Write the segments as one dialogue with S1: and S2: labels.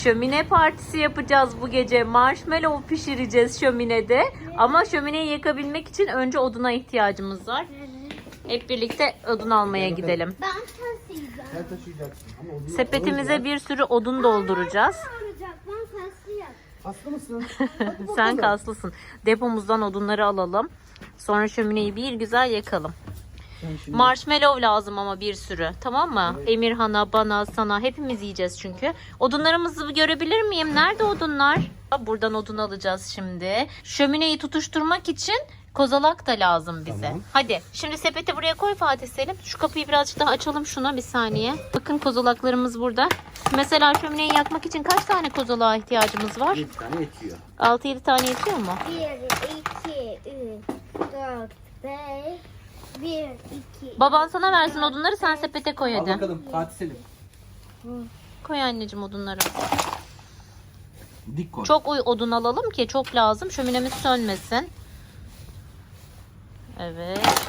S1: Şömine partisi yapacağız bu gece. Marshmallow pişireceğiz şöminede. Ama şömineyi yakabilmek için önce oduna ihtiyacımız var. Hep birlikte odun almaya gidelim.
S2: Ben taşıyacağım.
S3: Sen taşıyacaksın. Ama odunu
S1: Sepetimize bir sürü odun dolduracağız.
S2: Ben taşıyacağım.
S3: Hasta mısın?
S1: Sen kaslısın. Depomuzdan odunları alalım. Sonra şömineyi bir güzel yakalım. Marshmallow lazım ama bir sürü. Tamam mı? Evet. Emirhan'a, bana, sana hepimiz yiyeceğiz çünkü. Odunlarımızı görebilir miyim? Nerede odunlar? Buradan odun alacağız şimdi. Şömineyi tutuşturmak için kozalak da lazım bize.
S3: Tamam.
S1: Hadi şimdi sepeti buraya koy Fatih Selim. Şu kapıyı birazcık daha açalım şuna bir saniye. Bakın kozalaklarımız burada. Mesela şömineyi yakmak için kaç tane kozalağa ihtiyacımız var?
S3: 7 tane yetiyor.
S1: 6-7 tane yetiyor mu?
S2: 1, 2, 3, 4, 5, 1, 2.
S1: Baban sana versin odunları, sen sepete koy
S3: Al
S1: hadi.
S3: bakalım Fatih Selim.
S1: Koy anneciğim odunları.
S3: Dik koy.
S1: Çok odun alalım ki çok lazım. Şöminemiz sönmesin. Evet.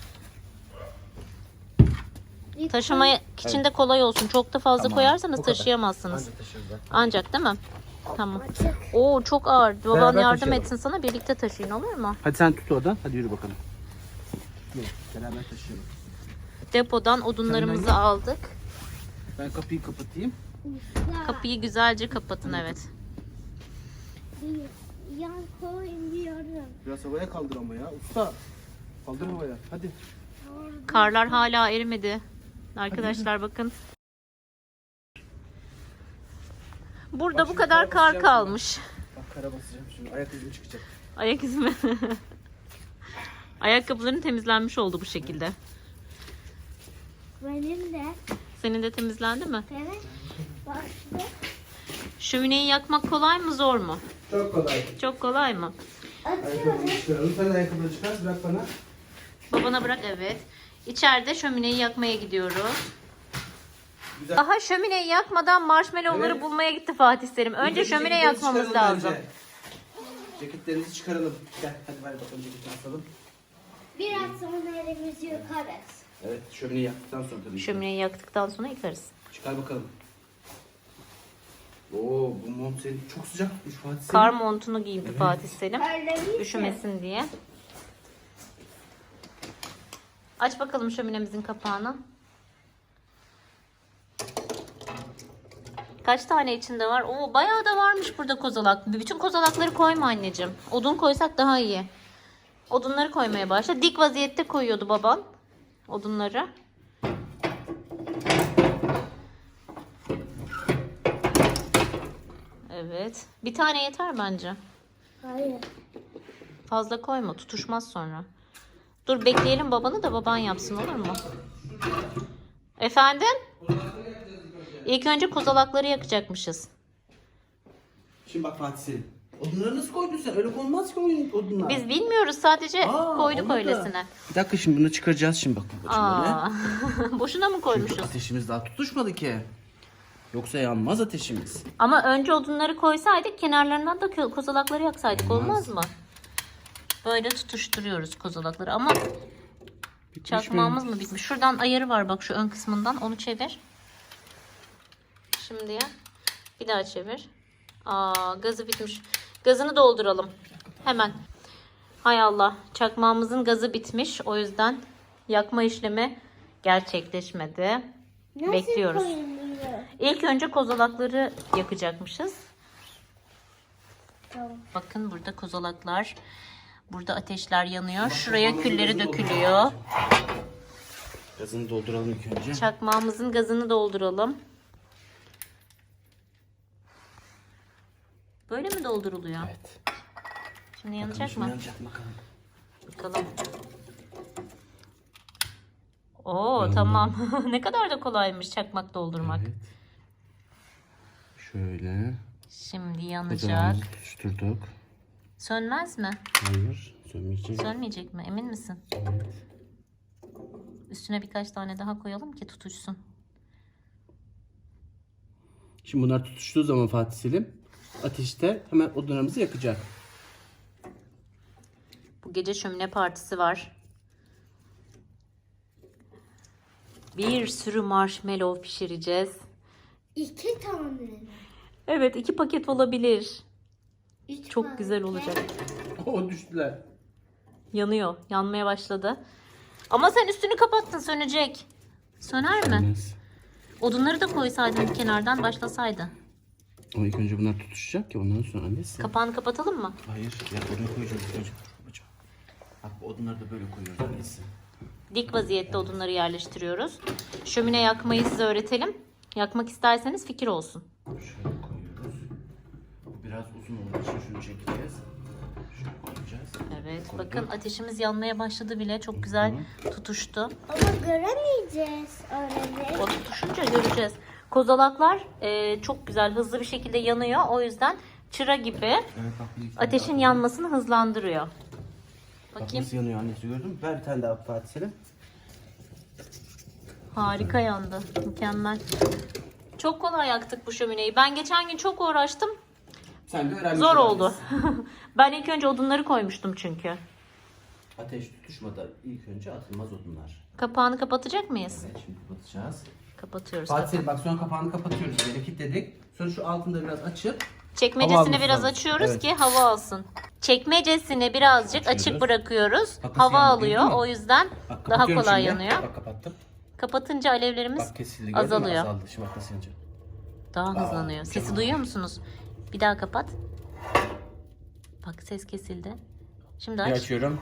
S1: Taşıma için de kolay olsun. Çok da fazla
S3: Tamam,
S1: koyarsanız
S3: bu kadar.
S1: taşıyamazsınız.
S3: Anca taşırız.
S1: Ancak değil mi? Tamam. Oo çok ağır. Baban
S3: Beraber
S1: yardım
S3: taşıyalım.
S1: etsin sana. Birlikte taşıyın, olur mu?
S3: Hadi sen tut oradan. Hadi yürü bakalım. Yürü. Beraber taşıyalım.
S1: Depodan odunlarımızı aldık.
S3: Ben kapıyı kapatayım.
S1: Kapıyı güzelce kapatın, evet.
S2: Yan koymuyorum.
S3: Biraz havaya kaldır ama ya. Usta. Kaldır havaya. Hadi.
S1: Karlar hala erimedi. Arkadaşlar bakın. Burada
S3: Bak
S1: bu
S3: şimdi
S1: kadar
S3: kara
S1: kar
S3: basacağım
S1: kalmış.
S3: Bak kara basacağım şimdi. Ayak izim çıkacak.
S1: Ayak izi mi? Ayakkabıların temizlenmiş oldu bu şekilde.
S2: Benim de.
S1: Senin de temizlendi mi?
S2: Evet. Başka.
S1: Şömineyi yakmak kolay mı zor mu?
S3: Çok kolay.
S1: Çok kolay mı?
S3: Ayakkabını çıkaralım. Sen de ayakkabını çıkar. Bırak bana.
S1: Babana bırak, evet. İçeride şömineyi yakmaya gidiyoruz.
S3: Güzel.
S1: Daha şömineyi yakmadan marshmallowları
S3: Evet.
S1: bulmaya gitti Fatih Selim. Önce şömine
S3: ceketlerinizi
S1: yakmamız
S3: çıkaralım
S1: lazım.
S3: bence. Ceketlerinizi çıkaralım. Gel hadi ver bakalım ceketini asalım.
S2: Biraz sonra elimizi yıkarız.
S3: Evet şömineyi yaktıktan sonra tabii.
S1: Şömineyi yaktıktan sonra yıkarız.
S3: Çıkar bakalım. Oo bu mont senin çok sıcakmış Fatih Selim.
S1: Kar montunu giydi Fatih Selim.
S2: Öyle
S1: Üşümesin diye. Aç bakalım şöminemizin kapağını. Kaç tane içinde var? Oo, bayağı da varmış burada kozalak. Bütün kozalakları koyma anneciğim. Odun koysak daha iyi. Odunları koymaya başla. Dik vaziyette koyuyordu baban odunları. Evet. Bir tane yeter bence.
S2: Hayır.
S1: Fazla koyma, tutuşmaz sonra. Dur bekleyelim babanı da baban yapsın, olur mu? Efendim? İlk önce kozalakları yakacakmışız.
S3: Şimdi bak Fatih Selim. Odunları nasıl koydun sen? Öyle konmaz ki odunlar.
S1: Biz bilmiyoruz, sadece koyduk
S3: olmadı.
S1: öylesine.
S3: Bir dakika şimdi bunu çıkaracağız şimdi bak babacığım böyle.
S1: Boşuna mı koymuşuz?
S3: Ateşimiz daha tutuşmadı ki. Yoksa yanmaz ateşimiz.
S1: Ama önce odunları koysaydık, kenarlarından da kozalakları yaksaydık, olmaz mı? Böyle tutuşturuyoruz kozalakları ama çakmağımız mı bitmiş? Şuradan ayarı var bak, şu ön kısmından, onu çevir. Şimdi ya. Bir daha çevir. Gazı bitmiş. Gazını dolduralım. Hemen. Hay Allah. Çakmağımızın gazı bitmiş. O yüzden yakma işlemi gerçekleşmedi.
S2: Nasıl
S1: Bekliyoruz.
S2: koyuluyor?
S1: İlk önce kozalakları yakacakmışız.
S2: Tamam.
S1: Bakın burada kozalaklar. Burada ateşler yanıyor. Şuraya külleri dökülüyor.
S3: Gazını dolduralım ilk önce.
S1: Çakmağımızın gazını dolduralım. Böyle mi dolduruluyor?
S3: Evet.
S1: Şimdi yanacak
S3: Bakalım şimdi
S1: mı?
S3: yanacak mı bakalım.
S1: Bakalım. Oo tamam. Ne kadar da kolaymış çakmak doldurmak.
S3: Evet. Şöyle.
S1: Şimdi yanacak.
S3: Ocağımızı tutuşturduk.
S1: Sönmez mi?
S3: Hayır. Sönmeyecek.
S1: Sönmeyecek mi? Emin misin?
S3: Evet.
S1: Üstüne birkaç tane daha koyalım ki tutuşsun.
S3: Şimdi bunlar tutuştuğu zaman Fatih Selim ateşte hemen odunlarımızı yakacak.
S1: Bu gece şömine partisi var. Bir sürü marshmallow pişireceğiz.
S2: 2 tane.
S1: Evet, 2 paket olabilir.
S2: Üç
S1: Çok
S2: paket.
S1: güzel olacak.
S3: O düştüler.
S1: Yanıyor. Yanmaya başladı. Ama sen üstünü kapattın, sönecek. Söner mi?
S3: Olmaz.
S1: Odunları da koysaydın kenardan başlasaydı.
S3: Ama ilk önce bunlar tutuşacak ki ondan sonra annesi.
S1: Kapağını kapatalım mı?
S3: Hayır. Ya oraya koyacağız ilk önce. Babacığım. Bak bu odunları da böyle koyuyoruz annesi.
S1: Dik vaziyette odunları yerleştiriyoruz. Şömine yakmayı size öğretelim. Yakmak isterseniz fikir olsun.
S3: Şöyle koyuyoruz. Bu biraz uzun olduğu için şunu çekeceğiz. Şöyle koyacağız.
S1: Evet,
S3: Koyduk.
S1: bakın ateşimiz yanmaya başladı bile. Çok güzel tutuştu.
S2: Ama göremeyeceğiz öyle.
S1: O tutuşunca göreceğiz. Kozalaklar çok güzel, hızlı bir şekilde yanıyor. O yüzden çıra gibi
S3: Evet bak bir
S1: ateşin yanmasını hızlandırıyor.
S3: Bak
S1: Bakayım.
S3: nasıl yanıyor annesi, gördün mü? Ver bir tane daha Fatih Selim.
S1: Harika yandı. Mükemmel. Çok kolay yaktık bu şömineyi. Ben geçen gün çok uğraştım.
S3: Sen de öğrenmiş
S1: Zor
S3: olabilirsin.
S1: oldu. Ben ilk önce odunları koymuştum çünkü.
S3: Ateş tutuşmadan ilk önce atılmaz odunlar.
S1: Kapağını kapatacak mıyız?
S3: Evet şimdi kapatacağız.
S1: Kapatıyoruz.
S3: Fatih Selim bak sonra kapağını kapatıyoruz. Böyle kilitledik. Sonra şu altında biraz açıp Hava
S1: Çekmecesini
S3: alması
S1: biraz
S3: lazım.
S1: açıyoruz
S3: Evet.
S1: ki hava alsın. Çekmecesini birazcık
S3: Açıyoruz.
S1: açık bırakıyoruz.
S3: Bak nasıl
S1: Hava
S3: yandı,
S1: alıyor.
S3: gördün mü?
S1: O yüzden
S3: bak,
S1: daha
S3: kapatıyorum
S1: kolay
S3: şimdi.
S1: yanıyor.
S3: Bak kapattım.
S1: Kapatınca alevlerimiz
S3: Bak kesildi, gördün mü?
S1: azalıyor.
S3: Azaldı. Şimdi bak nasıl yanacak.
S1: Daha hızlanıyor. Sesi
S3: mükemmel.
S1: duyuyor musunuz? Bir daha kapat. Bak ses kesildi. Şimdi
S3: Bir
S1: aç.
S3: açıyorum.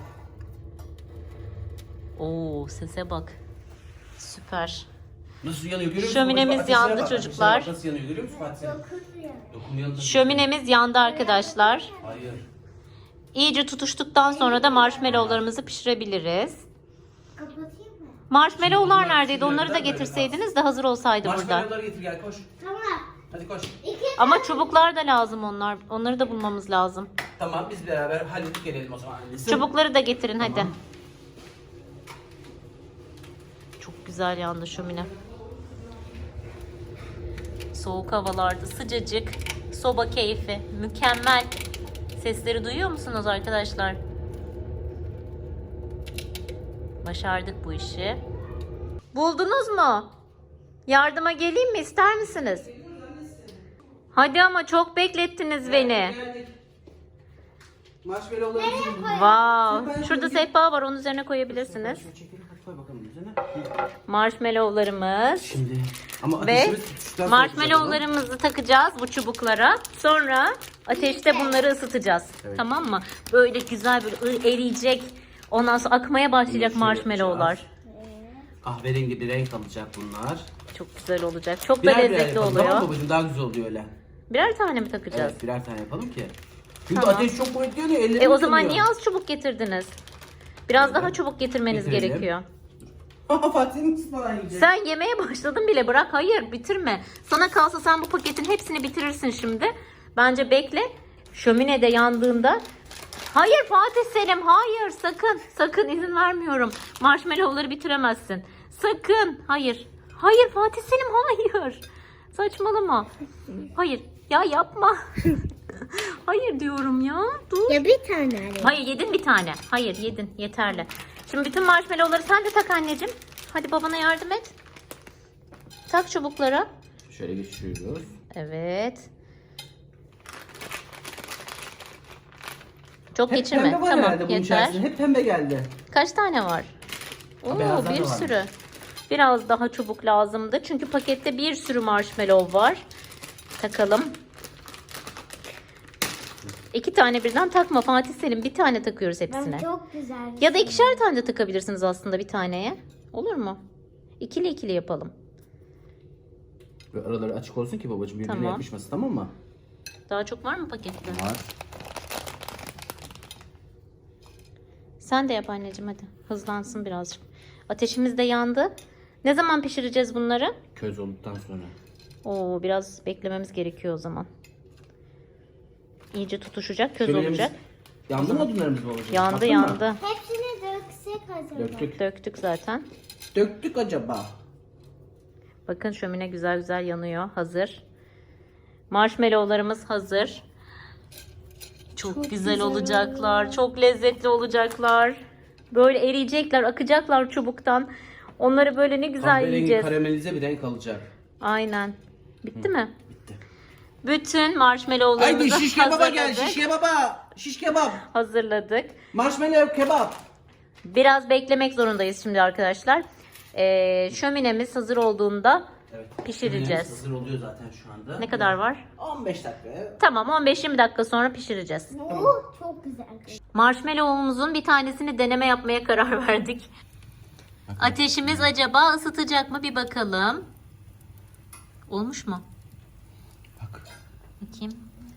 S1: Oo, sese bak. Süper.
S3: Nasıl yanıyor görüyor musun?
S1: Şöminemiz
S3: Bak, ateşine
S1: yandı
S3: bak,
S1: çocuklar.
S3: ateşine bak, nasıl yanıyor görüyor musun Fatih Selim?
S2: Dokunmuyor.
S3: Dokunmuyor tabii.
S1: Şöminemiz yandı arkadaşlar.
S3: Hayır.
S1: İyice tutuştuktan sonra da marshmallowlarımızı pişirebiliriz.
S2: Kapatayım mı?
S1: Marshmallowlar
S3: Bunlar
S1: neredeydi? Onları da
S3: pişirilmeden böyle
S1: getirseydiniz de hazır olsaydı burada.
S3: Marshmallowları getir gel koş.
S2: Tamam.
S3: Hadi koş.
S1: Ama çubuklar da lazım onlar. Onları da bulmamız lazım.
S3: Tamam biz beraber halledip gelelim o zaman annesi.
S1: Çubukları da getirin hadi.
S3: Tamam.
S1: Çok güzel yandı şömine. Soğuk havalarda sıcacık. Soba keyfi. Mükemmel. Sesleri duyuyor musunuz arkadaşlar? Başardık bu işi. Buldunuz mu? Yardıma geleyim mi? İster misiniz? Hadi ama çok beklettiniz beni.
S3: Marshmallowları bizim.
S1: Wow. Şurada sehpa var. Onun üzerine koyabilirsiniz.
S3: Şöyle çekelim hadi koy bakalım üzerine.
S1: Marshmallowlarımız.
S3: Şimdi ama
S1: Ve
S3: ateşimiz tutuştan sonra
S1: marshmallowlarımızı takacağız bu çubuklara. Sonra ateşte bunları ısıtacağız.
S3: Evet.
S1: Tamam mı? Böyle güzel böyle eriyecek. Ondan sonra akmaya başlayacak
S3: Şöyle
S1: marshmallowlar.
S3: yapacağız. Kahverengi bir renk alacak bunlar.
S1: Çok güzel olacak. Çok da
S3: Birer birer
S1: lezzetli
S3: yapalım, tamam mı
S1: oluyor.
S3: babacığım? Daha güzel oluyor öyle.
S1: Birer tane mi takacağız?
S3: Evet birer tane yapalım ki. Çünkü
S1: Tamam.
S3: ateş çok kuvvetli yanıyor. Ellerim
S1: O zaman
S3: yanıyor.
S1: niye az çubuk getirdiniz? Biraz daha çubuk getirmeniz
S3: Getirelim.
S1: gerekiyor.
S3: Fatih'in ıspanak yiyecek.
S1: Sen yemeye başladın bile, bırak. Hayır, bitirme. Sana kalsa sen bu paketin hepsini bitirirsin şimdi. Bence bekle. Şömine de yandığında. Hayır Fatih Selim, hayır, sakın. Sakın, izin vermiyorum. Marshmallowları bitiremezsin. Sakın. Hayır. Hayır Fatih Selim, hayır. Saçmalama. Hayır. Ya yapma. Hayır diyorum ya. Dur.
S2: Ya bir tane alayım.
S1: Hayır, yedin bir tane. Hayır, yedin. Yeterli. Şimdi bütün marshmallowları sen de tak anneciğim. Hadi babana yardım et. Tak çubuklara.
S3: Şöyle geçiriyoruz.
S1: Evet. Çok
S3: Hep
S1: geçirme.
S3: pembe var
S1: Tamam,
S3: herhalde bunun
S1: yeter.
S3: içerisinde. Hep pembe geldi.
S1: Kaç tane var? Oo,
S3: beyazlar
S1: bir
S3: da varmış.
S1: sürü. Biraz daha çubuk lazımdı. Çünkü pakette bir sürü marshmallow var. Takalım. 2 tane birden takma Fatih Selim. Bir tane takıyoruz hepsine.
S2: Ben çok güzel.
S1: Ya da 2'şer tane de takabilirsiniz aslında bir taneye. Olur mu? İkili ikili yapalım.
S3: Ve araları açık olsun ki babacığım birbirine
S1: Tamam.
S3: yapışmasın, tamam mı?
S1: Daha çok var mı pakette?
S3: Var.
S1: Sen de yap anneciğim hadi. Hızlansın birazcık. Ateşimiz de yandı. Ne zaman pişireceğiz bunları?
S3: Köz olduktan sonra.
S1: Oo, biraz beklememiz gerekiyor o zaman. İyice tutuşacak, köz
S3: Şöminemiz-
S1: olacak.
S3: Yandı mı odunlarımız babacığım?
S1: Yandı
S3: Baktın mı?
S1: yandı.
S2: Hepsini döksek acaba.
S3: Döktük.
S1: Döktük zaten.
S3: Döktük acaba.
S1: Bakın şömine güzel güzel yanıyor. Hazır. Marshmallowlarımız hazır. Çok güzel olacaklar. Çok lezzetli olacaklar. Böyle eriyecekler, akacaklar çubuktan. Onları böyle ne güzel
S3: Kahverengi
S1: yiyeceğiz.
S3: karamelize bir renk alacak.
S1: Aynen. Bitti mi?
S3: Bitti.
S1: Bütün
S3: Haydi
S1: marshmallowlarımızı
S3: şiş kebaba gel.
S1: hazırladık.
S3: Şiş kebaba. Şiş kebap.
S1: Hazırladık.
S3: Marshmallow kebap.
S1: Biraz beklemek zorundayız şimdi arkadaşlar. Şöminemiz hazır olduğunda pişireceğiz.
S3: Yemeğimiz hazır oluyor zaten şu anda.
S1: Ne kadar var?
S3: 15 dakika.
S1: Tamam, 15-20 dakika sonra pişireceğiz.
S2: Çok güzel.
S1: Marshmallow'umuzun bir tanesini deneme yapmaya karar verdik. Ateşimiz acaba ısıtacak mı bir bakalım. Olmuş mu?
S3: Bak.
S1: Bakayım.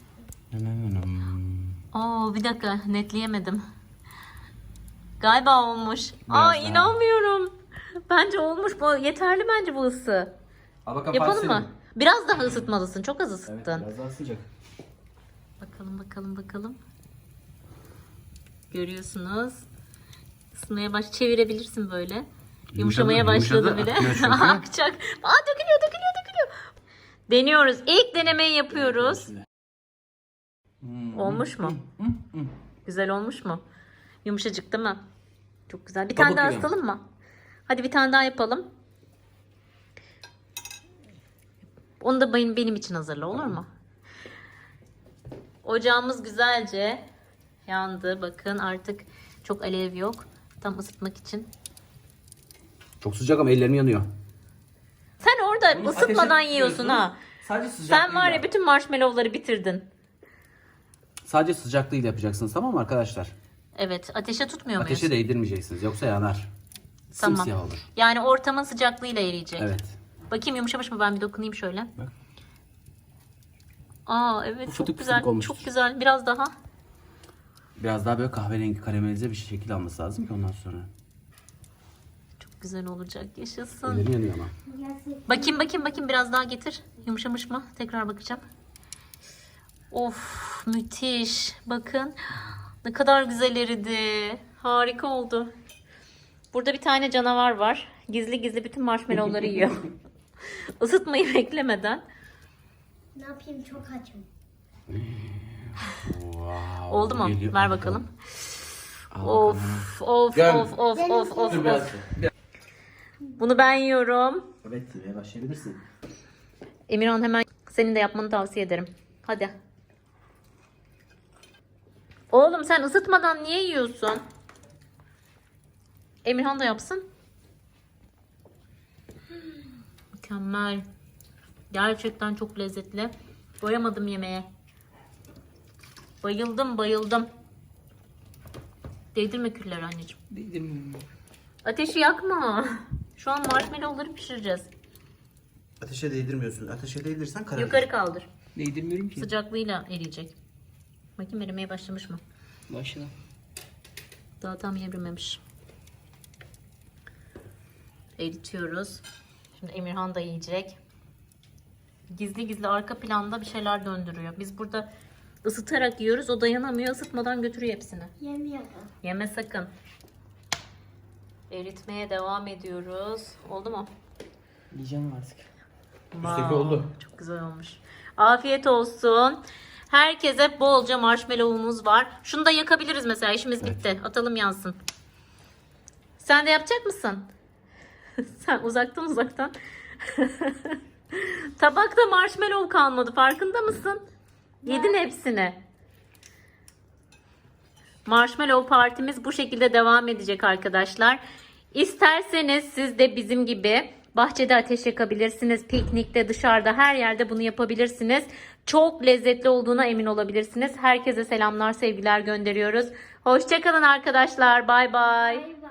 S1: Oo, bir dakika, netleyemedim. Galiba olmuş.
S3: Biraz daha.
S1: İnanmıyorum. Bence olmuş. Bu yeterli bence bu ısı.
S3: Al bakalım
S1: Yapalım mı? Biraz daha ısıtmalısın. Çok az
S3: Evet,
S1: ısıttın.
S3: biraz daha sıcak.
S1: Bakalım. Görüyorsunuz. Isınmaya çevirebilirsin böyle. Yumuşamaya başladı
S3: yumuşadı,
S1: bile.
S3: akıyor çünkü.
S1: Akacak. Dökülüyor. Deniyoruz. İlk denemeyi yapıyoruz. Olmuş mu? Güzel olmuş mu? Yumuşacık değil mi? Çok güzel. Bir tane daha
S3: yiyorum.
S1: ısıtalım mı? Hadi bir tane daha yapalım. Onu da benim için hazırla, olur mu? Ocağımız güzelce yandı. Bakın artık çok alev yok. Tam ısıtmak için.
S3: Çok sıcak ama ellerim yanıyor.
S1: Sen orada ısıtmadan
S3: Ateşe
S1: yiyorsun
S3: tutuyorsun.
S1: ha.
S3: Sadece sıcaklığıyla.
S1: Sen var ya bütün marshmallowları bitirdin.
S3: Sadece sıcaklığıyla yapacaksınız, tamam mı arkadaşlar?
S1: Evet, ateşe tutmuyor muyuz?
S3: Ateşe değdirmeyeceksiniz yoksa yanar.
S1: Tamam.
S3: Simsiyah olur.
S1: Yani ortamın sıcaklığıyla eriyecek.
S3: Evet.
S1: Bakayım yumuşamış mı, ben bir dokunayım şöyle.
S3: Bak.
S1: Evet, çok
S3: Fıtık
S1: güzel.
S3: fıtık olmuştur.
S1: Çok güzel. Biraz daha.
S3: Biraz daha böyle kahverengi karamelize bir şekil alması lazım ki ondan sonra.
S1: Çok güzel olacak. Yaşasın.
S3: Ellerim yanıyor ama.
S1: Bakayım biraz daha getir. Yumuşamış mı? Tekrar bakacağım. Of, müthiş. Bakın. Ne kadar güzel eridi. Harika oldu. Burada bir tane canavar var. Gizli gizli bütün marshmallowları yiyor. Isıtmayı beklemeden.
S2: Ne yapayım, çok açım.
S3: Wow,
S1: Oldu mu?
S3: geliyor.
S1: Ver bakalım.
S3: Al
S1: Of.
S3: Gel.
S1: Of. Bunu ben yiyorum.
S3: Evet, yemeye başlayabilirsin.
S1: Emirhan, hemen senin de yapmanı tavsiye ederim. Hadi. Oğlum sen ısıtmadan niye yiyorsun? Emirhan da yapsın. Mükemmel. Gerçekten çok lezzetli. Doyamadım yemeğe. Bayıldım. Değdirme külleri anneciğim.
S3: Değdirmiyorum.
S1: Ateşi yakma. Şu an marshmallowları pişireceğiz.
S3: Ateşe değdirmiyorsun. Ateşe değdirsen kararır.
S1: Yukarı kaldır.
S3: Değdirmiyorum ki.
S1: Sıcaklığıyla eriyecek. Bakayım erimeye başlamış mı?
S3: Başla.
S1: Daha tam erimemiş. Eritiyoruz. Şimdi Emirhan da yiyecek. Gizli gizli arka planda bir şeyler döndürüyor. Biz burada ısıtarak yiyoruz. O dayanamıyor. Isıtmadan götürüyor hepsini.
S2: Yemiyorum.
S1: Yeme sakın. Eritmeye devam ediyoruz. Oldu mu?
S4: Yiyeceğim artık.
S3: Üstteki oldu.
S1: Çok güzel olmuş. Afiyet olsun. Herkese bolca marshmallow'umuz var. Şunu da yakabiliriz mesela. İşimiz bitti. Atalım yansın. Sen de yapacak mısın? Sen uzaktan. Tabakta marshmallow kalmadı. Farkında mısın? Yedin hepsini. Marshmallow partimiz bu şekilde devam edecek arkadaşlar. İsterseniz siz de bizim gibi bahçede ateş yakabilirsiniz. Piknikte, dışarıda, her yerde bunu yapabilirsiniz. Çok lezzetli olduğuna emin olabilirsiniz. Herkese selamlar, sevgiler gönderiyoruz. Hoşça kalın arkadaşlar. Bay bay.